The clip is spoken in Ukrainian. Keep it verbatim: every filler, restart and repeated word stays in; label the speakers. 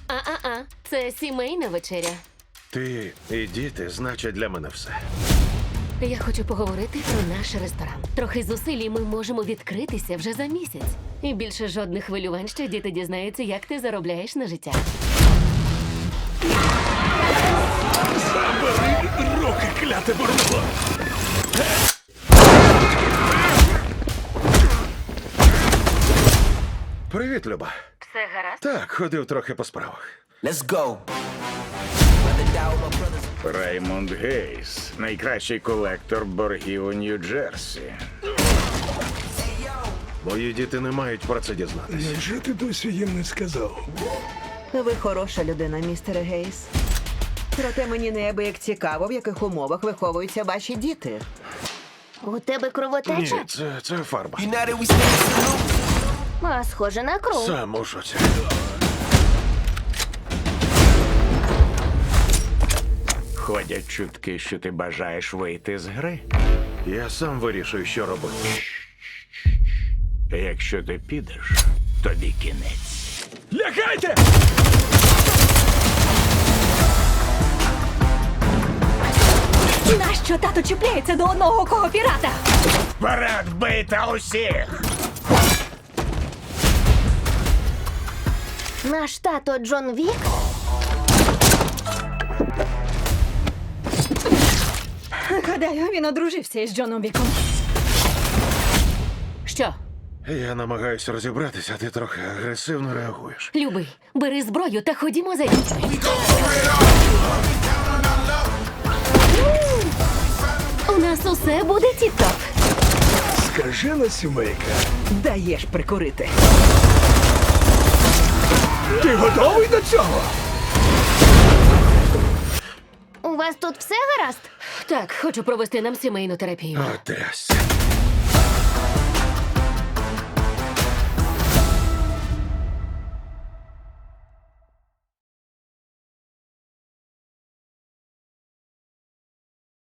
Speaker 1: А-а-а, це сімейна вечеря.
Speaker 2: Ти і діти значать для мене все.
Speaker 1: Я хочу поговорити про наш ресторан. Трохи зусиль, і ми можемо відкритися вже за місяць. І більше жодних хвилювань, що діти дізнаються, як ти заробляєш на життя.
Speaker 3: Забери руки, кляте бурнуло!
Speaker 2: Привіт, Люба.
Speaker 1: Все гаразд?
Speaker 2: Так, ходив трохи по справах.
Speaker 4: Let's go.
Speaker 3: Раймонд Гейс, найкращий колектор боргів у Нью-Джерсі.
Speaker 2: Мої діти не мають про це дізнатися.
Speaker 5: Невже ти досі їм не сказав?
Speaker 6: Ви хороша людина, містере Гейс. Проте мені неабияк цікаво, в яких умовах виховуються ваші діти.
Speaker 7: У тебе кровотеча?
Speaker 2: Ні, це, це фарба.
Speaker 4: United we stand salute.
Speaker 7: А, схоже на кров.
Speaker 2: Сам у шоці.
Speaker 3: Ходять чутки, що ти бажаєш вийти з гри.
Speaker 2: Я сам вирішую, що робити.
Speaker 3: Якщо ти підеш, тобі кінець. Лягайте!
Speaker 1: Нащо тато чіпляється до одного кого пірата?
Speaker 3: Вперед, бийте усіх!
Speaker 7: Наш тато Джон Вік?
Speaker 1: Гадаю, він одружився із Джоном Віком. Що?
Speaker 2: Я намагаюся розібратися, а ти трохи агресивно реагуєш.
Speaker 1: Любий, бери зброю та ходімо за дітьми. У нас усе буде тіп-топ.
Speaker 5: Скажена сімейка.
Speaker 6: Даєш прикурити.
Speaker 5: Ти готовий до цього?
Speaker 7: У вас тут все гаразд?
Speaker 1: Так, хочу провести нам сімейну терапію.
Speaker 2: О, трясся.